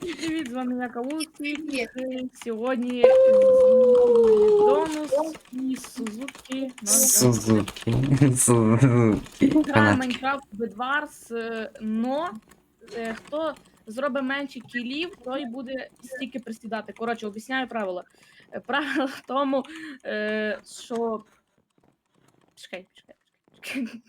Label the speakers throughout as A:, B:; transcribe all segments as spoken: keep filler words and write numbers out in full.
A: Привіт, з вами я Кавусик.
B: Привіт.
A: Сьогодні Донус і Сузуки.
C: Сузуки. Сузуки.
A: Граємо
C: Фанатки.
A: Майнкрафт Бедварс, но е, хто зробить менше кілів, той буде стільки присідати. Коротше, об'ясняю правила. Е, Правило в тому, е, що. Чекай, чекай, чекай. чекай.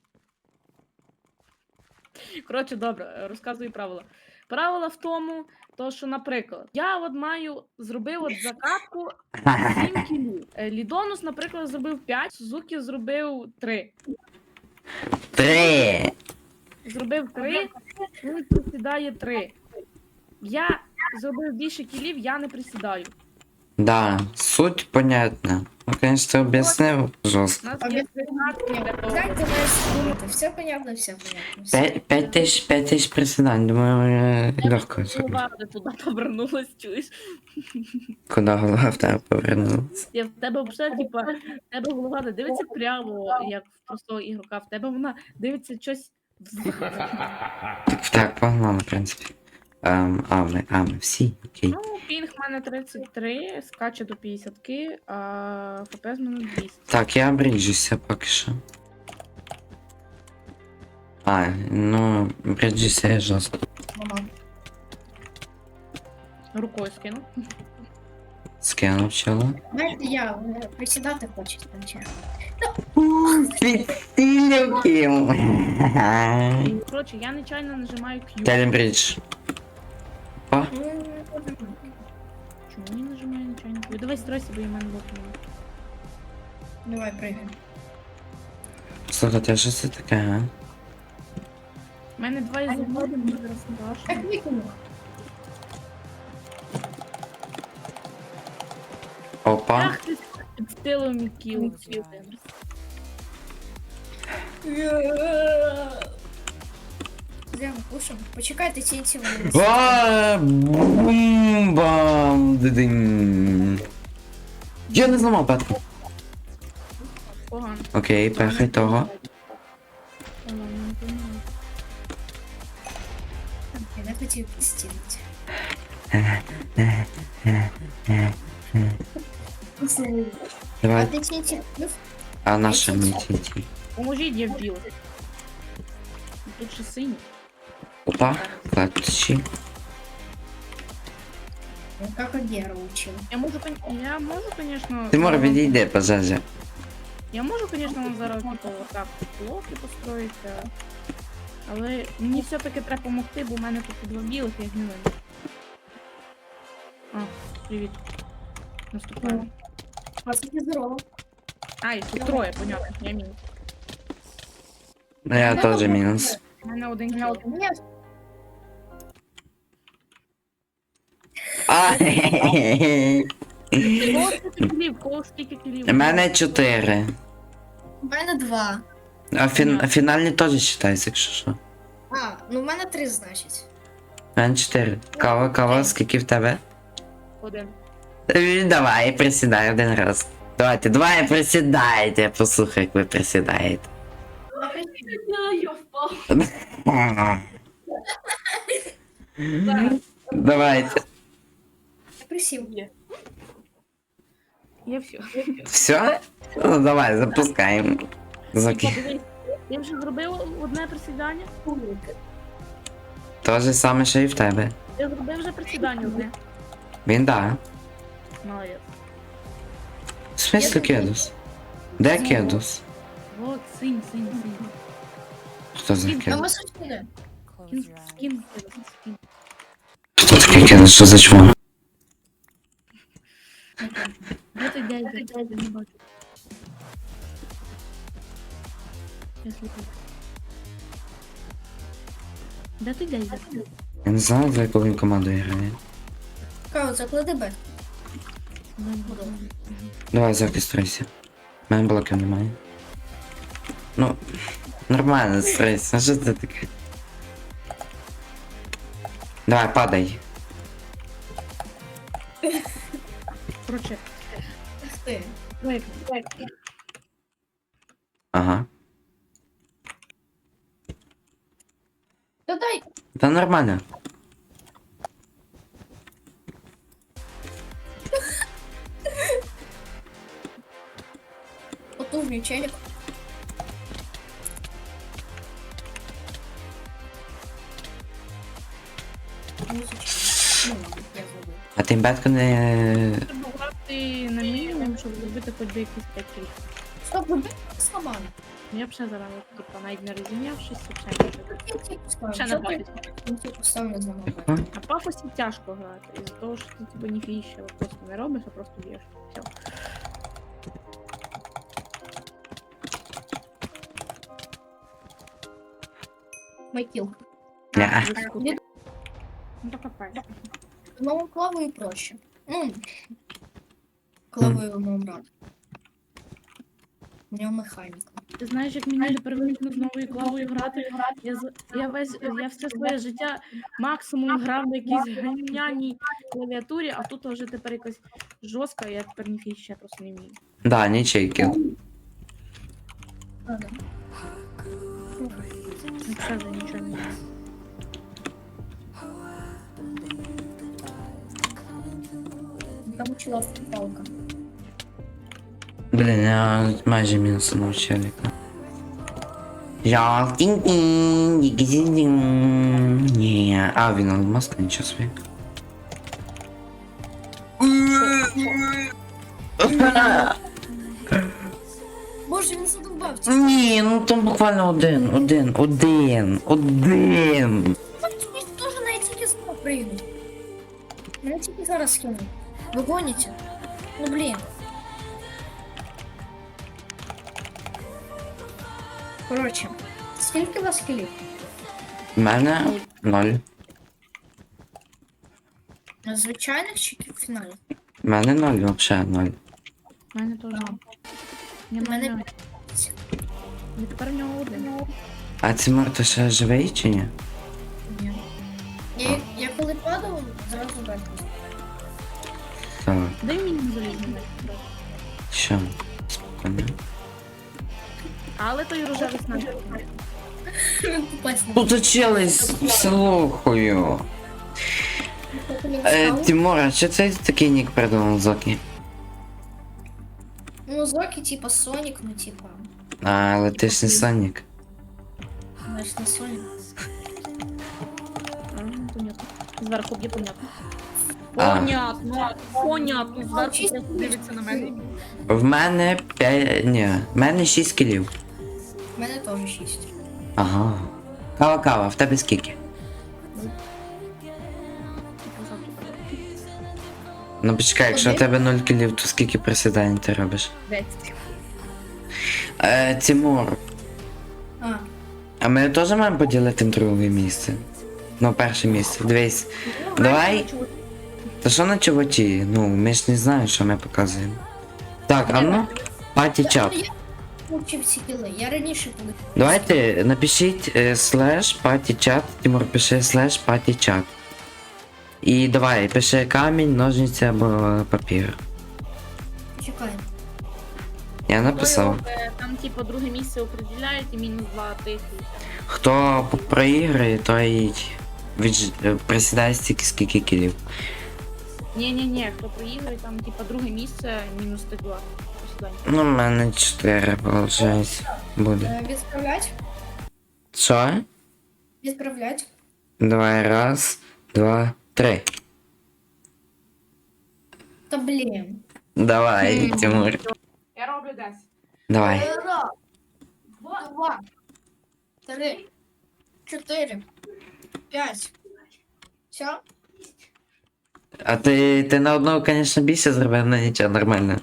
A: Коротше, добре, розказую правила. Правила в тому, то, що, наприклад, я от маю зробив от закатку сім кілів. Е, Лідонус, наприклад, зробив п'ять, Сузуки зробив три.
C: Три.
A: Зробив три, він присідає три. Я зробив більше кілів, я не присідаю.
C: Да, суть понятна. Ну, конечно, объяснил
A: У
C: жестко.
A: нас є тринадцять для того.
B: Как ты можешь думать? Все понятно, все понятно. Всё.
C: Пять, пять тысяч, пять тысяч приседаний. Думаю, легко.
A: Голова де туди повернулась, чуєш?
C: Куда голова в тебе повернулась?
A: Я в тебе взагалі, типа, в тебе голова не дивиться прямо, як в простого ігрока, в тебе вона дивиться щось в
C: Так, так, погнали, в принципі. Ем, а, ми, а, ми всі, окей.
A: Ну, пінг в мене тридцять три, скаче до п'ятдесят, а ФПС в мене двісті.
C: Так, я бриджуся поки що. А, ну, бриджуся я жорстко.
B: Мама.
A: Рукою скину.
C: Скинув чоло.
B: Знаєте, я е, присідати хочу там чи.
C: Підстилюків.
A: Коротше, я нечайно нажимаю Q.
C: Телем бридж. О,
A: Чому я нажимаю нечайно Q? Давай стройся, бо я в мене лопнуло.
B: Давай прыгай.
C: слухайте, а що це таке, а?
A: У мене два із одного, мені зараз страшно.
B: Так викину.
C: Опа.
A: Ах ти під стилом кіл.
B: Зря кушаем. Почекайте ці ці
C: Ба- Бум-бам. Дидинь. Я не зламав петку.
A: Погано.
C: Окей, пехай того.
A: Ладно, не понимаю.
B: Я не хотів підстілити. А
C: Давай,
B: ти ці ці плюс?
C: а наша мітінті.
A: Поможіть, я вбила. Тут ще синій.
C: Опа, клатчі.
B: Ну, как Агера учил.
A: Я можу, кон- я можу, конечно...
C: Тимур,
A: вам-
C: відійди, пожежа.
A: Я можу, конечно, вам зараз типу, отак блоки построїти, але мені все-таки треба допомогти, бо в мене тут два білих, я їх не видно. А, привіт. Наступаю.
B: А це здорово.
A: А, і тут троє, понятно, я мінус.
C: Ну, я теж мінус.
A: У мене один кіл.
B: Ні,
C: А,
A: Кого скільки кілів? Кого скільки кілів?
C: У мене чотири.
B: у мене два.
C: А, фін... а фінальні теж вважаються, якщо що.
B: А, ну в мене три, значить.
C: У мене чотири. Кава, кава, скільки в тебе?
A: Один.
C: Е, Давай, присідай один раз. Давайте, давай присідайте, послухай, як ви присідаєте.
A: Я впав.
C: Давайте.
B: Я присів.
A: Я все.
C: Все? Ну давай, запускаємо. Заки.
A: Подивись, я вже зробив одне присідання.
C: То же саме, що і в тебе.
A: Я зробив вже присідання одне.
C: Він да.
A: Молодець.
C: В смислі кедус? Де кедус?
A: Вот, синь, синь, синь.
C: Хто за
B: А
C: кедус?
B: ми сучили.
A: Скін, скін, скін.
C: Хто такий кедус? Що за чмо?
A: Де ти дядя? Дядя не бачу. Я слухаю. Де ти дядя?
C: Я не знаю, за яку він команду грає.
B: Кау, заклади бет.
C: Давай, зареєструйся. У мене блоків немає. Ну, нормально, стрейся. А що це таке? Давай, падай.
A: Короче,
B: Ух ти.
A: лайк, лайк.
C: Ага.
B: Та дай.
C: Та нормально.
B: Нижній челік. Музичка. Ну ладно, я забув.
C: А ти бетку не.
A: Треба грати на мінімум, щоб зробити хоч би якісь п'ять кілів.
B: Стоп, ви бачите сломали?
A: Ну, я б ще зараз, типа, навіть не розім'явшись, взагалі нічого.
B: Я тільки поставлю.
A: Ще
B: Що
A: не
B: ти?
A: бачить.
B: Я тільки поставлю за мобіль.
C: Яка?
A: На пафосі тяжко грати, із-за того, що ти типа ніфіги ще просто не робиш, а просто б'єш. Все.
B: Майкіл.
C: Ня.
A: Ну то капець.
B: Ну, клавою проще. Ну, клавою ну, брат. У нього механіка.
A: Ти знаєш, як мені тепер виникне з новою клавою грати? Я, з- я весь я все своє життя максимум грав на якійсь ганяній клавіатурі, а тут вже тепер якась жорстка, я тепер ніфіги ще просто не вмію.
C: Да, нічейки.
B: Ага.
A: Ну, Це вже нічого не вмію.
B: Там учила палка.
C: Блін, я майже мінусанув челіка. Я тінь-тінь, дінь-дінь. Ні, а він алмазка, нічого собі.
B: Боже, він задовбався.
C: Ні, ну там буквально один, один, один, один.
B: Він теж на тільки знову прийду. Мене тільки зараз скину. Ви гоніте? Ну блін. Коротше, скільки у вас кілів?
C: У мене ноль.
B: Звичайних чи фіналів?
C: У мене ноль, взагалі ноль.
A: У мене теж.
B: У
A: Не
B: мене
A: мене. І тепер в нього один.
C: А Тимур, ти ще живий чи ні?
B: Ні. Я, я коли падав, зразу бекнув.
C: Так,
A: Дай мені залізти.
C: що? Спокійно.
A: Але той рожевий снайпер.
B: Попасть не
C: Тут учились, слухаю. Е, Тимур, а що це такий нік придумав Зокі?
B: Ну, Зоки, типа Сонік, ну типа.
C: А, але ти ж не Сонік.
B: Знаєш, не Сонік.
A: А, понятно. Зверху б'є понятно.
C: А.
A: Понятно. Понятно. Зверху просто дивиться на мене.
C: В мене п'ять. Ні, в мене шість кілів.
B: У мене теж шість.
C: Ага. Кава, кава, в тебе скільки? Ну почекай, якщо в тебе нуль кілів, то скільки присідань ти робиш?
A: Десять.
C: Е, Тимур,
B: А,
C: а ми теж маємо поділити друге місце? Ну, перше місце. Дивись. Давай. Та що на чуваті? Ну, ми ж не знаємо, що ми показуємо. Так, а ну, паті чат.
B: я получив ці кіли. Я раніше коли.
C: Давайте напишіть е, слеш паті чат. Тимур, пиши слеш паті чат. І давай, пиши камінь, ножниці або папір.
B: Чекай.
C: Я написав.
A: Е, Там, типу, друге місце определяють і мінус два тисячі.
C: Хто проіграє, той відж... е, присідає стільки, скільки кілів.
A: Ні-ні-ні, хто проіграє, там, типу, друге місце, мінус ти два. Посідання.
C: Ну, в мене чотири, виходить. Буде.
B: Е, Відправлять?
C: Що?
B: Відправлять.
C: Давай, раз, два, три.
B: Та блін.
C: Давай,
A: Мгм.
C: Тимур.
A: Я роблю десь.
C: Давай.
B: Раз, два, три, чотири, п'ять. Все?
C: А ти, ти на одного, звісно, більше зробив, але нічого, нормально.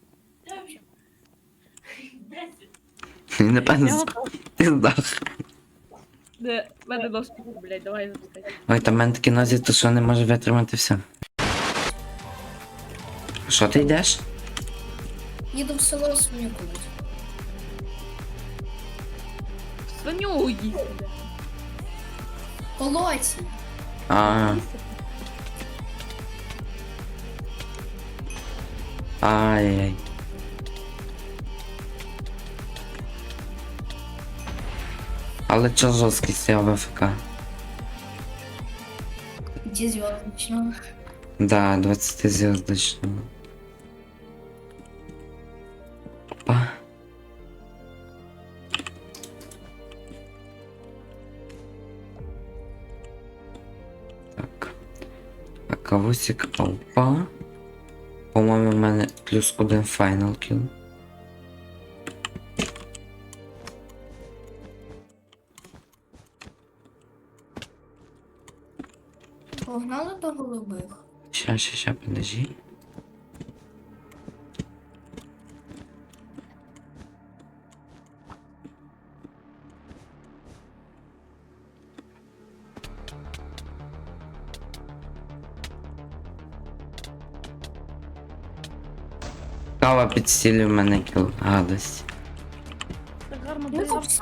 C: Напевно,
A: Я
C: з-
A: готова.
C: ти здох.
A: Де, в мене дошки, блядь, давай запускай.
C: Ой, там в мене такі нозі, то що не може витримати все. Що ти йдеш?
B: Їду в село свиню купити.
A: Свиню їсти.
B: Полоці.
C: А, ай-яй. Але чо жорсткість я в АФК?
B: Де зв'язочного?
C: Да, двадцятизвездочного. Опа. кавусик, опа. По-моєму, в мене плюс один файнал кіл.
B: Погнали до голубих.
C: Ща, ща, ща, подожди. Кава підстілює мене кіл. Гадость.
A: Так гарно
B: Ну,
A: було.
B: копса.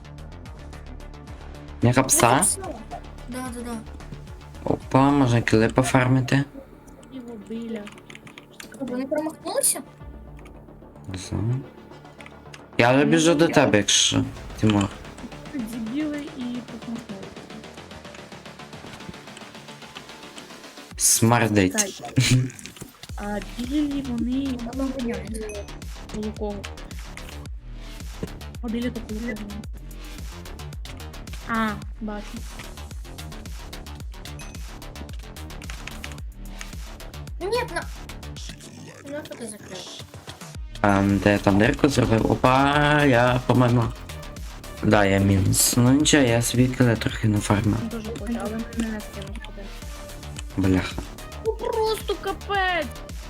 C: Яка пса?
B: Да, да, да.
C: Опа, можна кіли пофармити.
A: Його біля.
B: Вони промахнулися?
C: Зо. Я вже біжу до тебе, якщо, Тимур.
A: Дебіли і посмахнули.
C: Смардить.
A: А білі вони
B: Воно воняє.
A: коло кого? А білі то коло кого? А, бачу.
B: Ні, на... Ну, що ти закрив?
C: А, де я там дирку зробив? Опа, я, по-моєму. Да, я мінус. Ну нічого, я собі кіли трохи нафармив.
A: Він теж хоче, але мене скинув один.
C: Бляха.
A: Ну просто капець!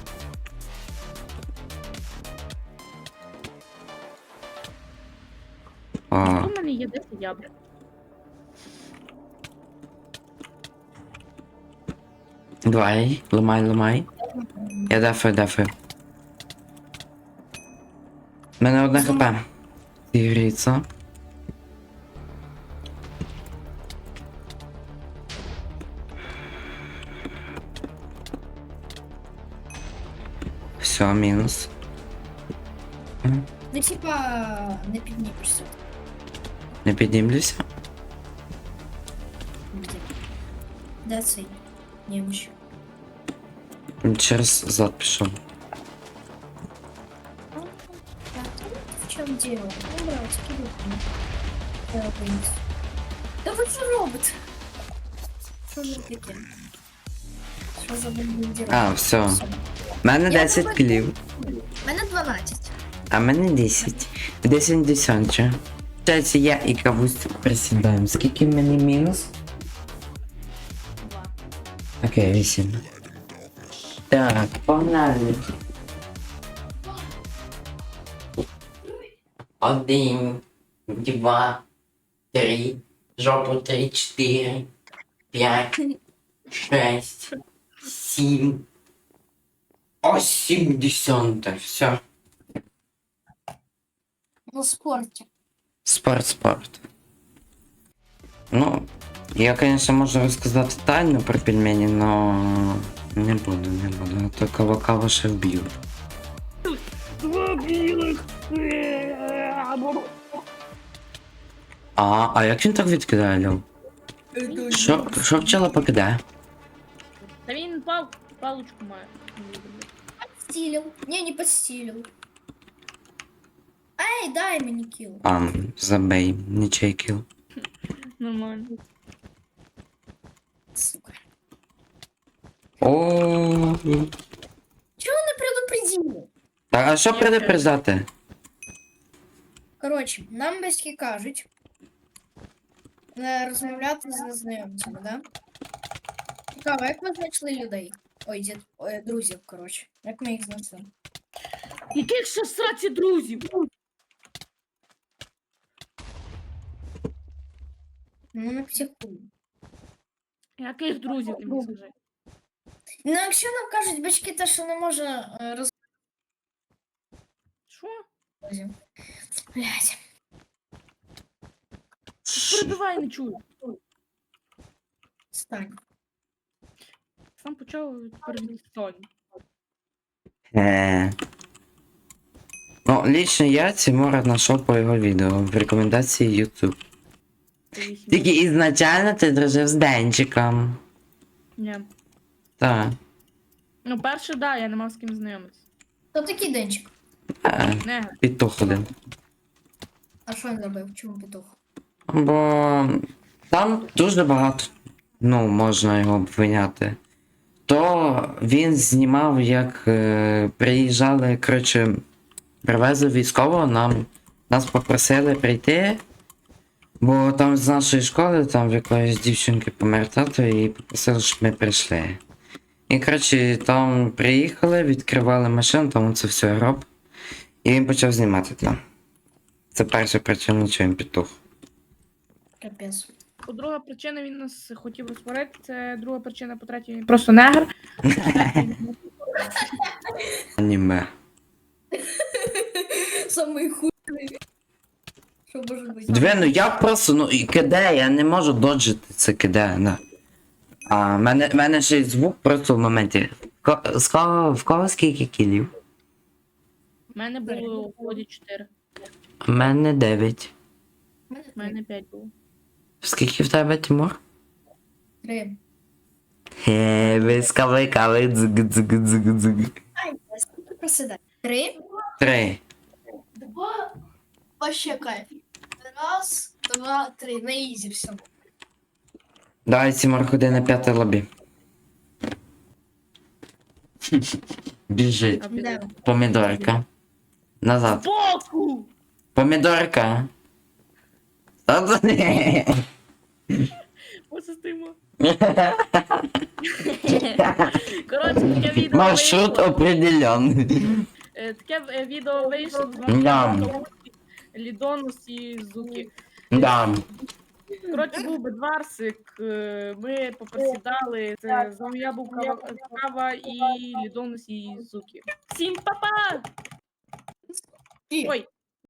C: А,
A: У мене є десять ябрик.
C: давай, ламай, ламай. Я дефаю, дефаю. У мене одне хп. Ігріться. Все, мінус.
B: Ну, типа, не піднімешся.
C: Не піднімлюся.
B: Де? Де цей? Немощ.
C: Через зад пішов.
B: Так, в чому дело? Ну, братики, вот. Я вынес. Да ви що робите? Що за таке? Що за бандитів?
C: А, все. У мене десять кілів,
B: У мене дванадцять.
C: а в мене десять. десять десять. Кстати, я і кавусь присідаємо. Скільки в мене мінус?
A: Два.
C: Окей, вісім. Так, погнали. Один, два, три, жопу три, чотири, п'ять, шесть, сім. О, сімдесят. Все.
B: На спорті.
C: Спорт, спорт. Ну, я, конечно, можу розказати тайну про пельмені, но не буду, не буду. А то кава-кава ще вб'ю.
A: Два білих!
C: А, а як він так відкидає, Льов? Що, що пчела покидає?
A: Та він пал... паличку має.
B: Подстилил. Не, не подстилил. Эй, дай мне килл.
C: А, забей, нічий кіл.
A: Нормально.
B: Сука.
C: О,
B: Чего он не предупредил?
C: так, а що предупреждати?
B: Коротше, нам батьки кажуть не розмовляти з незнайомцями, да? Цікаво, як ви знайшли людей? Ой, дід, ой, друзів, коротше. Як ми їх знайшли?
A: Яких ще сраці друзів?
B: Ну, не психуй.
A: Яких друзів ти мені скажи?
B: Ну, якщо нам кажуть батьки, те, що не може е, роз...
A: Що?
B: Блядь.
A: Перебивай, не чую.
B: Стань.
A: Сам почав перебивати.
C: Е. Ну, лично я Тимура знайшов по його відео в рекомендації YouTube. Тільки ізначально ти дружив з Денчиком.
A: Ні.
C: Так.
A: Ну, перше, да, я не мав з ким знайомитися.
B: Хто такий Денчик?
C: Е,
A: Не,
C: Петух один.
B: А що він робив? Чому петух?
C: Бо там дуже багато. Ну, можна його обвиняти. то він знімав, як е, приїжджали, коротше, привезли військового, нам, нас попросили прийти, бо там з нашої школи, там в якоїсь дівчинки помер тато, і попросили, щоб ми прийшли. І, коротше, там приїхали, відкривали машину, там це все гроб, і він почав знімати там. Це перша причина, чого він петух.
B: Капець.
A: По-друга причина він нас хотів розсварити, це друга причина, по-третє, він просто негр.
C: Аніме.
B: Самий худий. Що може бути?
C: Дві, ну я просто, ну і киде, я не можу доджити це киде, да. А в мене, в мене ще й звук просто в моменті. Ко, з кого, в кого скільки кілів?
A: У мене було у ході чотири,
C: У мене дев'ять.
B: У мене
A: у мене п'ять було.
C: Скільки в тебе, Тимур?
B: три.
C: Хе, ви скавикали, дзиг, дзиг, дзиг, дзиг.
B: Ай, скільки просидай? Три.
C: Три.
B: Два. Вообще кайф. Раз, два, три. На ізі все.
C: Давай, Тимур, ходи на п'яте лобі. Біжить.
A: А піде.
C: Помідорка. Назад.
A: Боку!
C: Помідорка. Та це не.
A: Ось стоїмо. Коротше, таке відео
C: Маршрут
A: вийшло.
C: определенный.
A: Е, Таке е, відео вийшло з
C: Да.
A: вами Лідонус і Зуки.
C: Да.
A: Коротше, був бедварсик, е, ми поприсідали, це з вами я був Кава, Кава і Лідонус і Зуки. Всім па-па! Ой,